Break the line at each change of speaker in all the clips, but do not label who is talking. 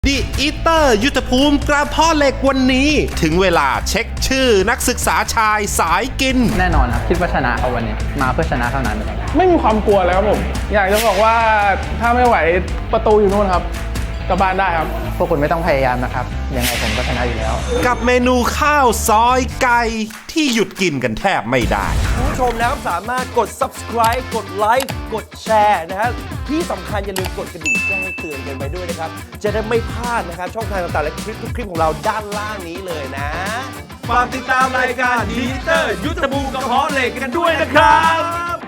ดิอีเตอร์ยุทธภูมิกระเพาะเหล็กวันนี้ถึงเวลาเช็คชื่อนักศึกษาชายสายกิน
แน่นอนครับคิดว่าชนะเขาวันนี้มาเพื่อชนะเท่านั้น
ไม่มีความกลัวเลยครับผมอยากจะบอกว่าถ้าไม่ไหวประตูอยู่นู่นครับกลับบ้านได้ครับ
พวกคุณไม่ต้องพยายามนะครับยังไงผมก็ชนะอยู่แล้ว
กับเมนูข้าวซอยไก่ที่หยุดกินกันแทบไม่ได้
คุณผู้ชมนะครับสามารถกด subscribe กดไลค์กดแชร์นะครับที่สำคัญอย่าลืมกดกระดิ่งแจ้งเตือนกันไปด้วยนะครับจะได้ไม่พลาดนะครับช่องทางต่างๆและคลิปทุกคลิปของเราด้านล่างนี้เลยนะฝากติดตามรายการดีเตอร์ยุทธภูมิกระเพาะเหล็กกันด้วยนะครับ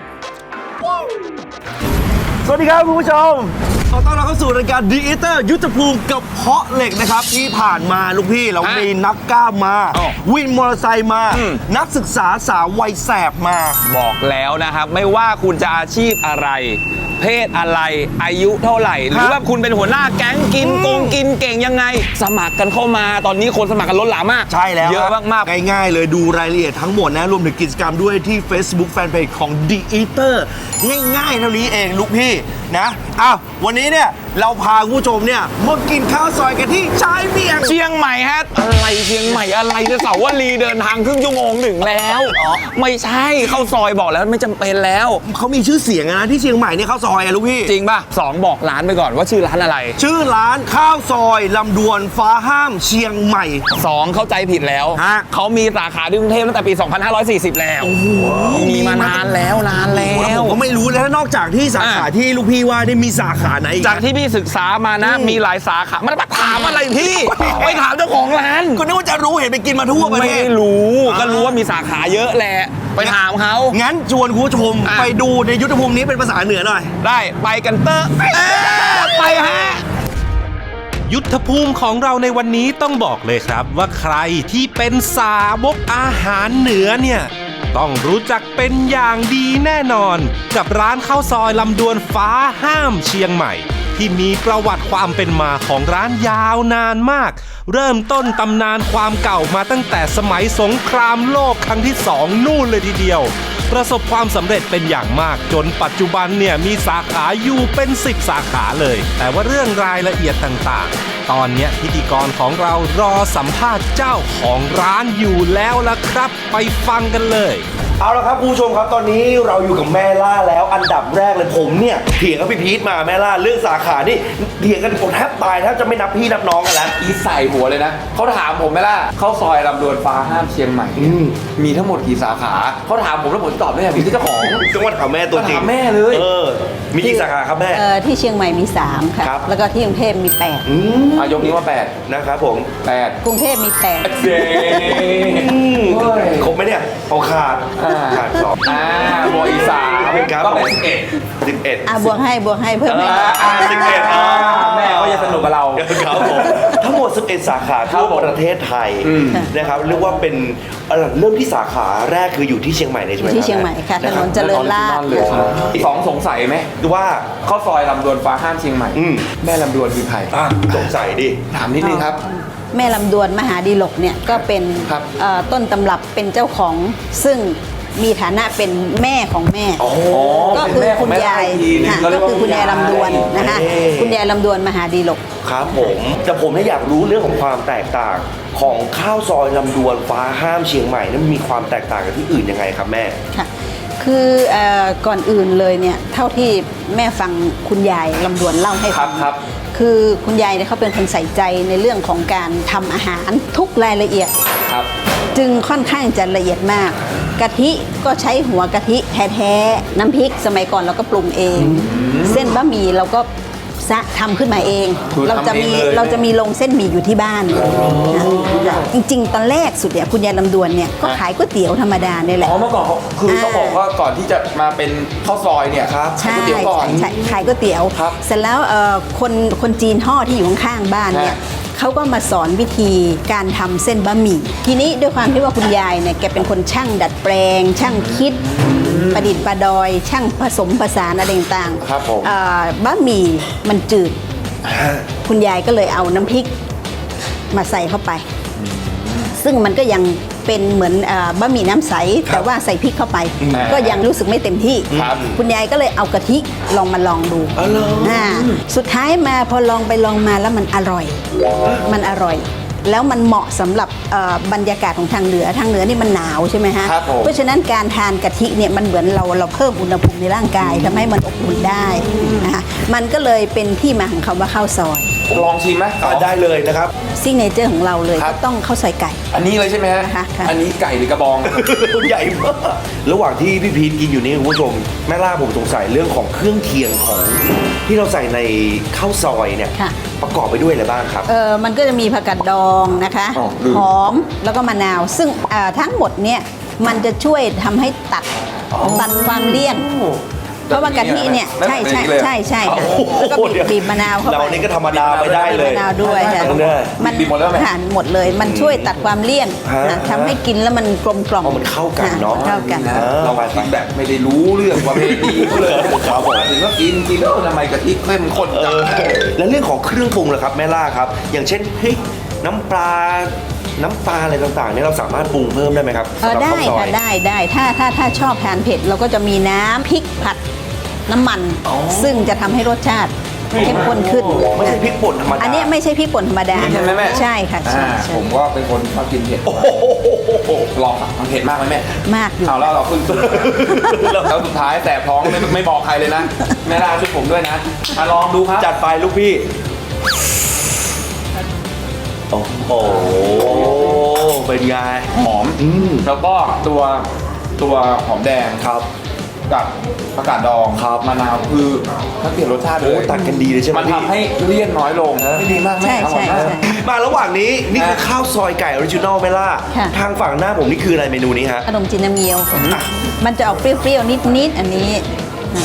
สวัสดีครับคุณผู้ชมขอต้อนรับเข้าสู่รายการดีเตอร์ยุทธภูมิกระเพาะเหล็กนะครับที่ผ่านมาลูกพี่เรามีนักกล้ามมาวินมอเตอร์ไซค์มานักศึกษาสาววัยแสบมา
บอกแล้วนะครับไม่ว่าคุณจะอาชีพอะไรเพศอะไรอายุเท่าไหร่หรือว่าคุณเป็นหัวหน้าแก๊งกินกินเก่งยังไงสมัครกันเข้ามาตอนนี้คนสมัครกันล้นหลามมาก
ใช่แล้ว
เยอะมาก
ๆง่ายๆเลยดูรายละเอียดทั้งหมดนะรวมถึงกิจกรรมด้วยที่ Facebook Fanpage ของ The Eater ง่ายๆเท่านี้เองลูกพี่นะวันนี้เนี่ยเราพาผู้ชมเนี่ยมากินข้าวซอยกันที่ชายเมียง
เชียงใหม่ฮะอะไรเชียงใหม่อะไรจะเสาวลีเดินทางครึ่งชั่วโมงถึงแล้วไม่ใช่ข้าวซอยบอกแล้วไม่จำเป็นแล้ว
เขามีชื่อเสียงนะที่เชียงใหม่เนี่ยข้าวซอยลูกพี่
จริงป่ะ2บอกร้านไปก่อนว่าชื่อร้านอะไร
ชื่อร้านข้าวซอยลำดวนฟ้าห้ามเชียงใหม่
2เข้าใจผิดแล้วเขามีสาขาที่กรุงเทพตั้งแต่ปี2540แล้วมีมานานแล้ว
ผมก็ไม่รู้แล้วนอกจากที่สาขาที่ลูกพี่ว่าได้มีสาขาไหน
จากที่พี่ศึกษามานะมีหลายสาขามันมาถามอะไรพี่ไปถามเจ้าของร้าน
ก็นึกว่าจะรู้เห็นไปกินมาทั่วประเทศ
ไม่รู้ก็รู้ว่ามีสาขาเยอะแหละไปถามเขา
งั้นชวนคุณผู้ชมไปดูในยุทธภูมินี้เป็นภาษาเหนือหน่อย
ได้ไปกันเตอร์ไปฮะ
ยุทธภูมิของเราในวันนี้ต้องบอกเลยครับว่าใครที่เป็นสาวกอาหารเหนือเนี่ยต้องรู้จักเป็นอย่างดีแน่นอนกับร้านข้าวซอยลำดวนฟ้าห้ามเชียงใหม่ที่มีประวัติความเป็นมาของร้านยาวนานมากเริ่มต้นตำนานความเก่ามาตั้งแต่สมัยสงครามโลกครั้งที่2นู่นเลยทีเดียวประสบความสำเร็จเป็นอย่างมากจนปัจจุบันเนี่ยมีสาขาอยู่เป็น10สาขาเลยแต่ว่าเรื่องรายละเอียดต่างๆตอนนี้พิธีกรของเรารอสัมภาษณ์เจ้าของร้านอยู่แล้วล่ะครับไปฟังกันเลย
เอาละครับคุณผู้ชมครับตอนนี้เราอยู่กับแม่ล่าแล้วอันดับแรกเลยผมเนี่ยเถียงกับพี่พีทมาแม่ล่าเรื่องสาขานี่เถียงกันผมแทบตายแทบจะไม่นับพี่นับน้องกันแล้ว
อีใส่หัวเลยนะเขาถามผมไหมล่ะเข้าซอยลำดวนฟ้าห้ามเชียงใหม่มีทั้งหมดกี่สาขาเขาถามผมแล้วผมตอบได้ไงพี่เจ้าของ
จังหวัดถามแม่ตัวจริง
ถามแม่เลย
มีกี่สาขาครับแม่
ที่เชียงใหม่มี3ค่ะแล้วก็ที่กรุงเทพมี8
ยกนี้ว่า8
นะครับผม
8กรุงเทพมี8
ครบไหมเนี่ยเอาขาด2
บวกอีก3ก็เป็น
11
บวกให้เพิ่มให้
11แม่ก็จะสนุกกับเรา
ครับผมทั้งหมด11สาขาทั่วประเทศไทยนะครับเรียกว่าเป็นเริ่มที่สาขาแรกคืออยู่ที่เชียงใหม่เลยใช่ไหม
ที่เชียงใหม่ค่ะถนนเจริญราษฎร์
2สงสัยไหม
ว่า
ข้าวซอยลำดวนฟ้าห้ามเชียงใหม่แม่ลำดวนคือใคร
สงสัยดิ
ถามนิดนึงครับ
แม่ลำดวนมหาดีลกเนี่ยก็เป็นต้นตำรับเป็นเจ้าของซึ่งมีฐานะเป็นแม่ของแม่ก็คือคุณยายก็คือคุณยายลำดวนนะคะคุณยายลำดวนมหาดีลก
ครับผมแต่ผมอยากรู้เรื่องของความแตกต่างของข้าวซอยลำดวนฟ้าห้ามเชียงใหม่นั้นมีความแตกต่างกับที่อื่นยังไงครับแม่
ค่ะคือก่อนอื่นเลยเนี่ยเท่าที่แม่ฟังคุณยายลำดวนเล่าให้ฟังคือคุณยายเนี่ยเขาเป็นคนใส่ใจในเรื่องของการทำอาหารทุกรายละเอียดจึงค่อนข้างจะละเอียดมากกะทิก็ใช้หัวกะทิแท้ๆน้ำพริกสมัยก่อนเราก็ปรุงเองเส้นบะหมี่เราก็ทำขึ้นมาเองเราจะมีลงเส้นหมี่อยู่ที่บ้านจริงๆตอนแรกสุดเนี่ยคุณยายลำดวนเนี่ยก็ขายก๋วยเตี๋ยวธรรมดาเนี่ยแหละ
เมื่อก่อนคือต้องบอกว่าก่อนที่จะมาเป็นข้าวซอยเนี่ยครับ
ขายก๋วยเตี๋ยวก่อนขายก๋วยเตี๋ยวเสร็จแล้วคนจีนห่อที่อยู่ข้างๆบ้านเนี่ยเขาก็มาสอนวิธีการทำเส้นบะหมี่ทีนี้ด้วยความที่ว่าคุณยายเนี่ยแกเป็นคนช่างดัดแปลงช่างคิดประดิษฐ์ประดอยช่างผสมผสานอะไรต่างๆบะหมี่มันจืดคุณยายก็เลยเอาน้ำพริกมาใส่เข้าไปซึ่งมันก็ยังเป็นเหมือนบะหมี่น้ำใสแต่ว่าใส่พริกเข้าไป ก็ยังรู้สึกไม่เต็มที่
ครับ
คุณยายก็เลยเอากะทิลองดูสุดท้ายมาพอลองไปลองมาแล้วมันอร่อย มันอร่อย แล้วมันเหมาะสำหรับบรรยากาศของทางเหนือนี่มันหนาวใช่ไหมฮะ
ครับผม
เพราะฉะนั้นการทานกะทิเนี่ยมันเหมือนเราเพิ่มอุณหภูมิในร่างกายทำให้มันอบอุ่นได้นะคะมันก็เลยเป็นที่มาของคำว่าข้าวซอย
ลองชิมไหม
ได้เลยนะครับ
ซิกเนเจอร์ของเราเลย
ครั
ก็
บ
ต้องข้าวซอยไก่
อันนี้เลยใช่ไหมฮะ
ค่ะค่ะ
อันนี้ไก่หรือกระบอง
ใหญ่มากระหว่างที่พี่พีทกินอยู่นี่คุณผู้ชมแม่ล่าผมสงสัยเรื่องของเครื่องเคียงของที่เราใส่ในข้าวซอยเนี่ย
ค่ะ
ประกอบไปด้วยอะไรบ้างครับ
มันก็จะมีผักกาดดองนะคะ
อ๋อลืม
หอมแล้วก็มะนาว ซึ่งทั้งหมดเนี่ยมันจะช่วยทำให้ตัดความเลี่ยน เพราะว่ากะทิเนี่ยใช่ค่ะแล้วก็บีบมะนาวเข้าไป
เรานี่ก็ธรรมดาไม่ได้เลย
มะนาวด้วยค่ะ
ได้
มัน
บีบหมดแล้วไหม
ทานหมดเลย มันช่วยตัดความเลี่ยน
ฮะ
นะทำให้กินแล้วมันกลมกล่อม
อ๋อมันเข้ากันเนอะ
เข้ากัน
นะเรามากินแบบไม่ได้รู้เรื่องประเพณีเขาเลย
ครับผม
ถึงก็กินแล้วทำไมกะทิเข้มข้นจัง
แล้วเรื่องของเครื่องปรุงล่ะครับแม่ล่าครับ อย่างเช่นพริกน้ำปลาอะไรต่างๆเนี่ยเราสามารถปรุงเพิ่มได้ไหมครับสำหรับ
ได้
ข้าวซอย
ค่ะได้ถ้าชอบทานเผ็ดเราก็จะมีน้ำพริกผัดน้ำมัน ซึ่งจะทำให้รสชาติเข้มข้นขึ้น
ไม่ใช่พริกป่นธรรมดา
อันนี้ไม่ใช่พริกป่นธรรมดา
ใช่ไหมแม่
ใช่ค่ะใช่
ผมว่าเป็นคนชอบกินเผ็ดลองมันเผ็ดมากไหมแม่
มากอยู่
เอาแล้วเราเพิ่งแล้วสุดท้ายแสบท้องไม่บอกใครเลยนะแม่ล่าช่วยผมด้วยนะมาลองดูครับ
จัดไปลูกพี่ โอ้โหเป็นไง
หอมแล้วก็ตัวหอมแดงครับ กับผักกาดดองครับมะนาวคือถ้าเปลี่ยนรสชาติเล
โอ้
ย
ตัดกันดีเลยใช่ไหม
มัน
พี่
ทำให้เลี่ยนน้อยลงไม่ดีมากแม่
ใช่
อร่อยมาก
มาระหว่างนี้นี่คือข้าวซอยไก่ออริจินอลไหมล่ะ
ค่ะ
ทางฝั่งหน้าผมนี่คืออะไรเมนูนี้ฮะ
ขนมจีนน้ำเงี้ยว มันจะออกเปรี้ยวๆนิดๆอันนี้นะ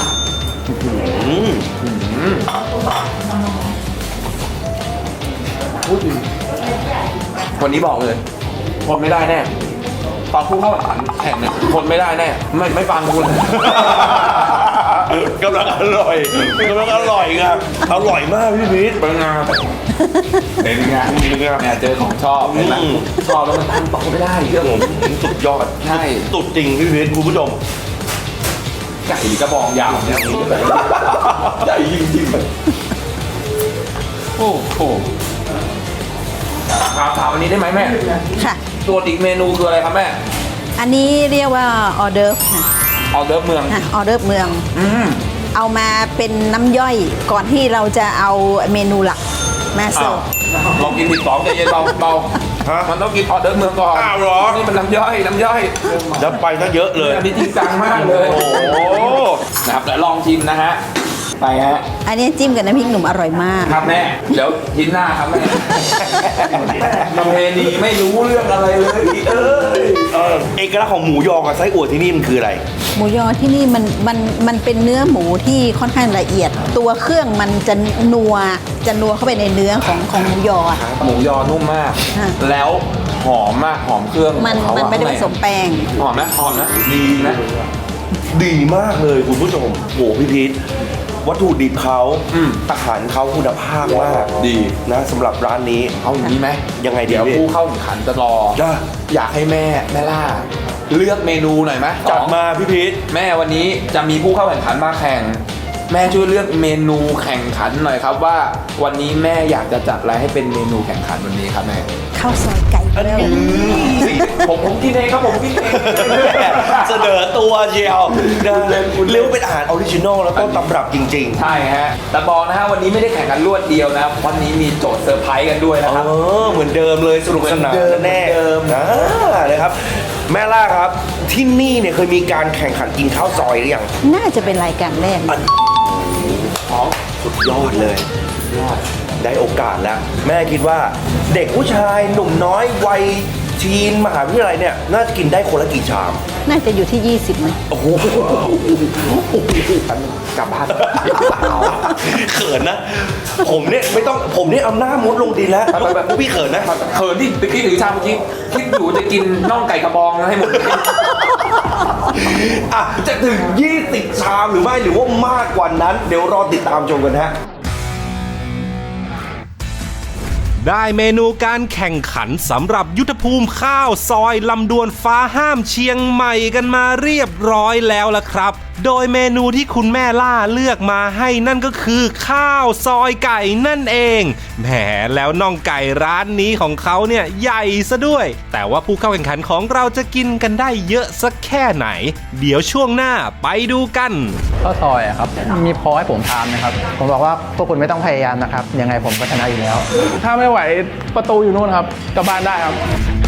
วันนี้บอกเลยทนไม่ได้แน่ตอนผู้เข้าแข่งเนี่ยทนไม่ได้แน่ไม่ฟังคุณ
กำลังอร่อยครับอร่อยมากพี่พีท
เป็นไงเป็นไงเนี่ยเจอของชอบเห็นไหมชอบแล้วมันตั้งต่อไม่ได้เรื่องผม
สุดยอด
ใช่
สุดจริงพี่พีทคุณผู้ชม
ไก่กระบองยาวเนี่ยใหญ่จริงๆโอ้โหถามอันนี้ได้ไหมแม่
ค่ะ
ตัวอีกเมนูคืออะไรครับแม่
อันนี้เรียกว่าออเดิร์ฟค่ะ
ออเดิร์ฟเมือง
ออเดิร์ฟเมือง เอามาเป็นน้ำย่อยก่อนที่เราจะเอาเมนูหลักมาเสิ
อ้า
ร์
ว
ฟ
ลองกินผิดสองใจเย็นเบา
ฮะ
มันต้องกินออเดิร์ฟเมืองก่อน
อ้าวเหรอ
นี่มันน้ำย่อย
แล้วไปตั้งเยอะเลย
อันนี้จริงจังมากเลย
โอ้โห
นะครับเดี๋ยวลองชิมนะฮะไปฮะ
อันนี้จิ้มกับน้ำพริกหนุ่มอร่อยมาก
ครับแม่เดี๋ยวทินหน้าครับแม่ประเพณีไม่รู้เรื่องอะไรเลย
เอกลักษณ์ของหมูยอกับไส้อั่วที่นี่มันคืออะไร
หมูยอที่นี่มันเป็นเนื้อหมูที่ค่อนข้างละเอียด ตัวเครื่องมันจะนัวเข้าไปในเนื้อของหมูยออะ
หมูยอนุ่มมาก
ฮะ
แล้วหอมมากหอมเครื่อง
มัน
ของเขาอะ
ไม่ได้ผสมแป้ง
หอมนะดีนะ
ดีมากเลยคุณผู้ชมโหพี่พีทวัตถุดิบเขาอาหารเขาคุณภาพมาก
ดี
นะสำหรับร้านนี้
เอาอย่างนี้ไหม
ยังไงดี
เดี๋ยว
พี่
ผู้เข้าแข่งขันจะรอ
จ้ะ
อยากให้แม่ล่า เลือกเมนูหน่อยไหม
จัดมาพี่พีท
แม่วันนี้จะมีผู้เข้าแข่งขันมาแข่ง แม่ช่วยเลือกเมนูแข่งขันหน่อยครับว่าวันนี้แม่อยากจะจัดอะไรให้เป็นเมนูแข่งขันวันนี้ครับแม่
ข้าวซอยไก่แล้ว
ผมกินเองครับผมกินเอง
เสนอตัวเชียวนะเรียกว่าเป็นอาหารออริจินอลแล้วก็ตำรับจริง
ใช่ฮะแต่บอกนะฮะวันนี้ไม่ได้แข่งกันรวดเดียวนะครับวันนี้มีโจทย์เซอร์ไพรส์กันด้วย
ๆ
นะครับ
เหมือนเดิมเลยสนุกสนานแน่
เหมือนเดิม
นะครับ แม่ล่าครับที่นี่เนี่ยเคยมีการแข่งขันกินข้าวซอยหรือยัง
น่าจะเป็นรายการแรก
สุดยอดเลย ได้โอกาสแล้ว แม่คิดว่าเด็กผู้ชายหนุ่มน้อยวัยทีนมหาวิทยาลัยเนี่ยน่าจะกินได้คนละกี่ชาม
น่าจะอยู่ที่ 20มั้ย
โอ้โห
กลับบ้าน
เขินนะ ผมเนี่ยไม่ต้องผมเนี่ยเอาหน้ามุดลงดินแล้วพวกพี่เขินนะ
เขินที่ตะกี้ถือชามเมื่อกี้คิดอยู่จะกินน่องไก่กระบองให้หมด
อ่ะจะถึง20ชามหรือไม่หรือว่ามากกว่านั้น เดี๋ยวรอติดตามชมกันฮะ
ได้เมนูการแข่งขันสำหรับยุทธภูมิข้าวซอยลำดวนฟ้าห้ามเชียงใหม่กันมาเรียบร้อยแล้วล่ะครับ โดยเมนูที่คุณแม่ล่าเลือกมาให้นั่นก็คือข้าวซอยไก่นั่นเองแหมแล้วน่องไก่ร้านนี้ของเขาเนี่ยใหญ่ซะด้วยแต่ว่าผู้เข้าแข่งขันของเราจะกินกันได้เยอะสักแค่ไหนเดี๋ยวช่วงหน้าไปดูกัน
ข้าวซอยอะครับมีพอให้ผมทานไหมครับผมบอกว่าพวกคุณไม่ต้องพยายามนะครับยังไงผมก็ชนะอยู่แล้ว
ถ้าไม่ไหวประตูอยู่นู่นครับกลับบ้านได้ครับ